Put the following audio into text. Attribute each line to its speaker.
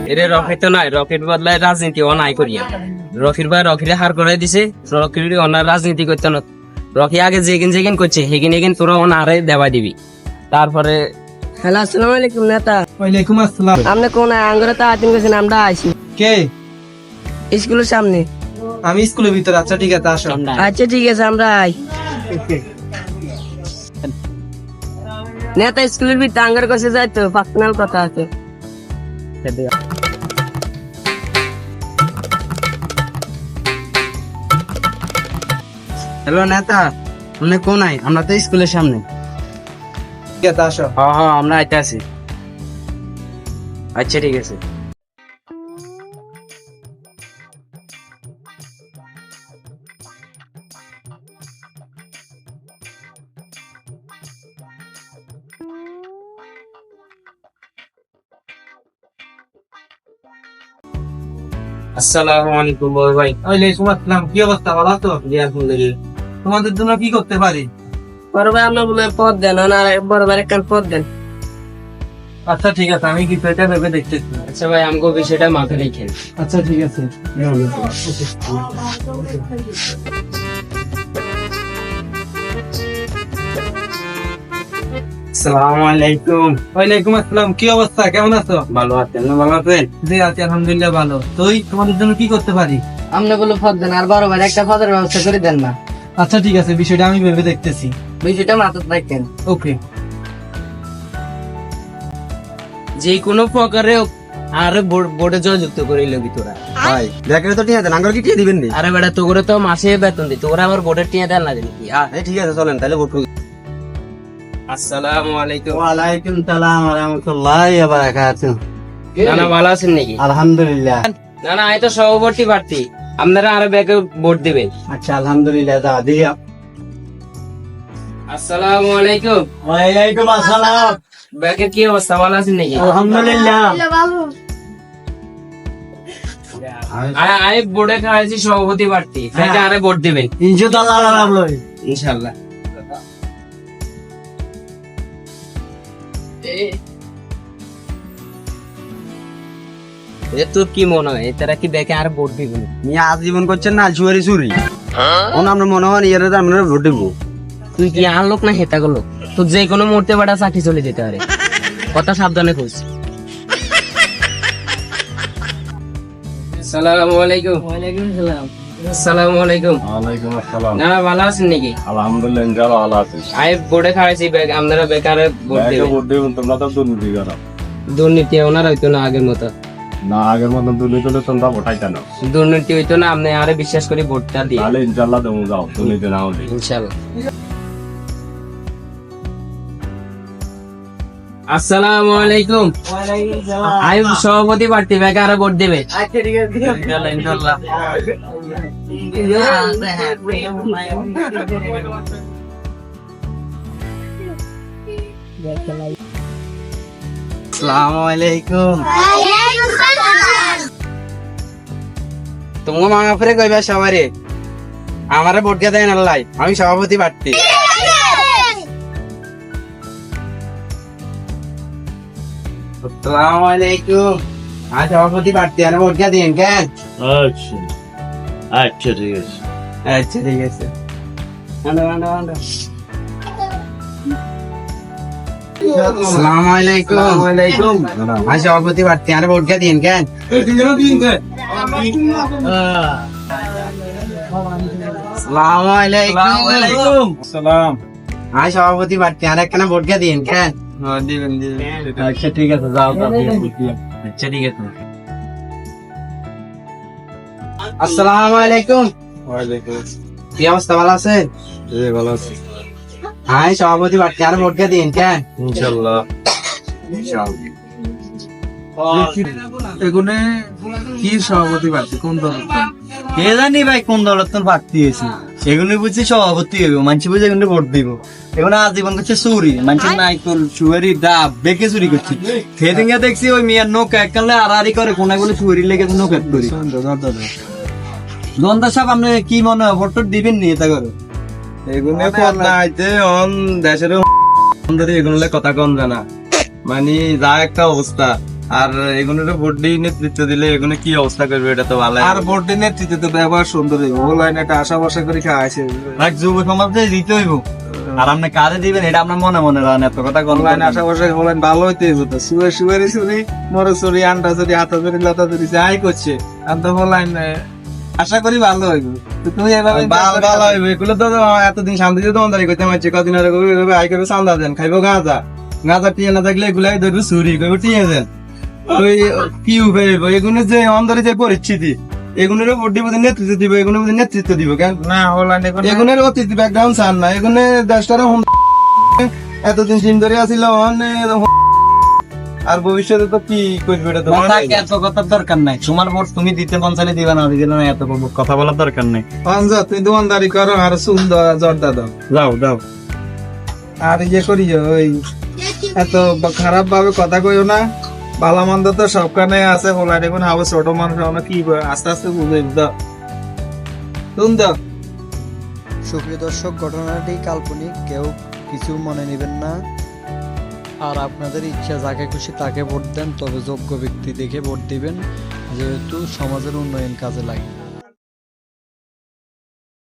Speaker 1: এরে রকেট তো নাই, রকেট বদলায় রাজনীতি ও নাই করিয়া। রকির ভাই রকিরে হার করে দিছে, রকির ওনার রাজনীতি করতে না। রকি আগে যেগিন করছে হেগিন তোরা ওনারে দেওয়া দিবি। তারপরে
Speaker 2: হ্যালো, আসসালামু আলাইকুম নেতা।
Speaker 3: ওয়ালাইকুম আসসালাম।
Speaker 2: আপনি কোন আঙ্গুরে তাড়াতাড়ি গেছেন? আমরা আইছি
Speaker 3: কে?
Speaker 2: স্কুলের সামনে।
Speaker 3: আমি স্কুলের ভিতরে। আচ্ছা ঠিক আছে, আসো।
Speaker 2: আচ্ছা ঠিক আছে, আমরা আই। নেতা স্কুলের ভিতরে আঙ্গুর কাছে যাই তো, পার্সোনাল কথা আছে।
Speaker 1: হ্যালো নেতা, আপনি কোন আই? আমরা তো স্কুলের সামনে।
Speaker 3: ঠিক আছে, আসো।
Speaker 1: হ্যাঁ আমরা আইতে আছি। আচ্ছা ঠিক আছে। আসসালামু আলাইকুম ভাই।
Speaker 3: ওয়ালাইকুম আসসালাম। কি অবস্থা, ভালো আছো?
Speaker 1: জি আলহামদুলিল্লাহ।
Speaker 3: তোমাদের জন্য কি করতে পারি?
Speaker 2: বড় ভাই আমরা বলে পদ দেন, ওনার বড় ভাই একটা পদ দেন।
Speaker 3: আচ্ছা ঠিক আছে, আমি কি এটা ভেবে দেখতেছি।
Speaker 1: আচ্ছা ভাই, আমাকে বিষয়টা মাথায় রেখেন।
Speaker 3: আচ্ছা ঠিক আছে।
Speaker 1: আসসালামু আলাইকুম।
Speaker 3: ওয়ালাইকুম আসসালাম। কি অবস্থা, কেমন আছো?
Speaker 1: ভালো আছেন না? ভালো আছেন?
Speaker 3: জি আছি, আলহামদুলিল্লাহ ভালো। তুই তোমাদের জন্য কি করতে পারি?
Speaker 2: আপনি বলে পদ দেন, আর বড় ভাই একটা পদের ব্যবস্থা করে দেন না।
Speaker 3: আচ্ছা ঠিক আছে, বিষয়টা আমি ভেবে দেখতেছি।
Speaker 2: বিষয়টা মাথায় রাখেন।
Speaker 3: ওকে।
Speaker 1: যে কোনো প্রকারে আরে বোর্ডে যুক্ত করে লবি তোরা।
Speaker 4: ভাই ব্যাকেটে তো টিয়া দেন, আঙ্গুর কি টিয়া দিবেন নি?
Speaker 1: আরে বেটা, তোরে তো মাসে বেতন দি, তোরা আবার বোর্ডের টিয়া দেন না জানি কি?
Speaker 4: ঠিক আছে চলেন তাহলে ভোট করি।
Speaker 1: আসসালামু আলাইকুম।
Speaker 4: ওয়ালাইকুম সালাম ওয়া রাহমাতুল্লাহি ওয়া বারাকাতুহু।
Speaker 1: নানা ভালো আছেন নাকি?
Speaker 4: আলহামদুলিল্লাহ।
Speaker 1: না আমি তো সভাপতি প্রার্থী, আপনারা আরো ব্যাকে ভোট দিবেন।
Speaker 4: আচ্ছা আলহামদুলিল্লাহ, দা দিয়া।
Speaker 1: আসসালামু আলাইকুম।
Speaker 4: ওয়ালাইকুম আসসালাম।
Speaker 1: ব্যাকের কি অবস্থা, ভালো আছেন নাকি?
Speaker 4: আলহামদুলিল্লাহ।
Speaker 1: আমি বোর্ডে খাওয়াইছি সভাপতি প্রার্থী, তাইলে আরে ভোট দিবেন
Speaker 4: ইনশাআল্লাহ আলহামদুলিল্লাহ।
Speaker 1: ইনশাআল্লাহ। তোর কি মনে হয় তারা কি ব্যাকে আর ভোট দিবেন?
Speaker 4: মিয়া আজীবন করছেন না চুরি চুরি। ওন আমরা মনে হয় এর আমরা ভোট দেব।
Speaker 1: তুই কি আর লোক না হেতা গেল? তো যে কোনো মুহূর্তে বাড়া চাকরি চলে যেতে পারে, কথা সাবধানে খোঁজ। আসসালামু আলাইকুম।
Speaker 2: ওয়ালাইকুম সালাম।
Speaker 1: আসসালামু আলাইকুম।
Speaker 5: ওয়ালাইকুম আসসালাম।
Speaker 1: না ভালো আছেন নাকি?
Speaker 5: আলহামদুলিল্লাহ ইনশাআল্লাহ ভালো আছি।
Speaker 1: আমি বোর্ডে খাওয়াইছি, আপনারা বেকারে ভোট
Speaker 5: ব্যাংকে
Speaker 1: দেবেন।
Speaker 5: ভোট দেবেন, তোমরা তো দুর্নীতি করো।
Speaker 1: দুর্নীতি ওনার হইতো না আগের মতো,
Speaker 5: না আগের মতন দুর্নীতি হলে তোমরা ভোটাইতে না।
Speaker 1: দুর্নীতি হইতো না, আপনি আরে বিশ্বাস করে ভোটটা দিয়ে
Speaker 5: তাহলে ইনশাআল্লাহ দেবো, যাও দুর্নীতি না হলে।
Speaker 1: ইনশাআল্লাহ। আসসালামু আলাইকুম। আমি সভাপতি প্রার্থী, বেকারে ভোট দেবে।
Speaker 2: আচ্ছা ঠিক আছে।
Speaker 1: ইনশাআল্লাহ।
Speaker 4: আসসালামু আলাইকুম। তোমাকে মামা ফিরে কইবা সবারে আমারে ভোট দিয়ে দেন আল্লাহ, আমি সভাপতি প্রার্থী। আসসালামু আলাইকুম। আমি সভাপতি প্রার্থী, আর ভোট দিয়ে দিন কেন?
Speaker 5: আচ্ছা আচ্ছা ঠিক আছে।
Speaker 4: আচ্ছা ঠিক আছে। আসসালামু আলাইকুম। আমি সভাপতি প্রার্থী, আর ভোট দিয়ে দিন কেন? আসসালামু আলাইকুম।
Speaker 5: আসসালাম।
Speaker 4: আমি সভাপতি প্রার্থী, আর একখানা ভোট দিয়ে দিন কেন?
Speaker 5: আচ্ছা ঠিক আছে, যাও যাও।
Speaker 4: আচ্ছা ঠিক আছে। আসসালামু আলাইকুম।
Speaker 5: ওয়ালাইকুম।
Speaker 4: কি অবস্থা, ভালো আছে?
Speaker 5: জি ভালো আছি।
Speaker 4: আমি সভাপতি প্রার্থী, আর ভোট দিয়ে দিন কেন?
Speaker 5: ইনশাআল্লাহ।
Speaker 3: এগুনে কি সভাপতি প্রার্থী, কোন দল?
Speaker 4: কে জানি ভাই কোন দলের তোর প্রার্থী হয়েছে, সেগুলো বুঝছি সভাপতি হইব, মানুষ বুঝে এগুলো ভোট দিব। এখন আজীবন করছে চুরি, মানুষের নাইকল সুয়ারি ডাব বেঁকে চুরি করছে। সেদিনকে দেখছি ওই মেয়ের নৌকা এককালে আড়াআড়ি করে কোনাগুলো চুরি লেগে নৌকা করি। জনতা সাহেব, আপনি কি মনে হয় ভোট টোট দিবেন নি? এটা করো
Speaker 5: এগুলো পদ না আইতে অন দেশের এগুলো কথা কম জানা, মানে যা একটা অবস্থা আর এগুলোর ভোট দিয়ে নেতৃত্ব দিলে এগুলো কি অবস্থা করবে এটা তো ভালো
Speaker 3: আর ভোটের নেতৃত্বে তো ব্যবহার সুন্দর হইব ও লাইন একটা আশা ভরসা করে খাওয়াইছে
Speaker 4: রাখ যুব সমাজে দিতে হইব আর আপনি কাজে দিবেন এটা আপনার মনে মনে রান এত কথা কোন
Speaker 3: অনলাইন আশা ভরসা অনলাইন ভালো হইতে হইব তো সুয়ারি চুরি মরে চুরি আন্ডা চুরি হাতা চুরি লতা চুরি যাই করছে আর তো অনলাইন আশা করি ভালো হইব তো তুমি এভাবে
Speaker 5: ভালো হইবে এগুলো তো এতদিন শান্তিতে দোকানদারি করতে পারছে কদিন আগে আই করে চান্দা দেন খাইবো গাঁজা গাঁজা টিয়ে না থাকলে এগুলাই ধরবে চুরি করবো টিয়ে দেন ওই কি উপায় হইব এগুলো যে অন্তরে যে পরিস্থিতি এগুলোর ভোট দিব নেতৃত্ব দিব এগুলোর মধ্যে নেতৃত্ব দিব কেন
Speaker 3: না অনলাইনে কোনো
Speaker 5: এগুলোর অতীত ব্যাকগ্রাউন্ড চান না এগুলো দেশটার এতদিন দিন ধরে আসিল আর ভবিষ্যতে তো কি করবে এটা তো
Speaker 4: মাথায় এত কথার দরকার নাই তোমার ভোট তুমি দিতে মন চাইলে দিবে না দিলে না এত কথা বলার দরকার নাই
Speaker 3: অঞ্জা তুমি দোকানদারি করো আর সুন্দর জর্দা দাও
Speaker 5: যাও যাও
Speaker 3: আর ইয়ে করি ওই এত খারাপ ভাবে কথা কইও না ভালো মন্দ তো সবখানে আছে বলা দেখুন হবে ছোট মানুষ আমরা কি আস্তে আস্তে বুঝে দাও তুমি দাও
Speaker 6: সুপ্রিয় দর্শক, ঘটনাটি কাল্পনিক, কেউ কিছু মনে নেবেন না। আর আপনাদের ইচ্ছা যাকে খুশি তাকে ভোট দেন, তবে যোগ্য ব্যক্তি দেখে ভোট দিবেন, যেহেতু সমাজের উন্নয়ন কাজে লাগে।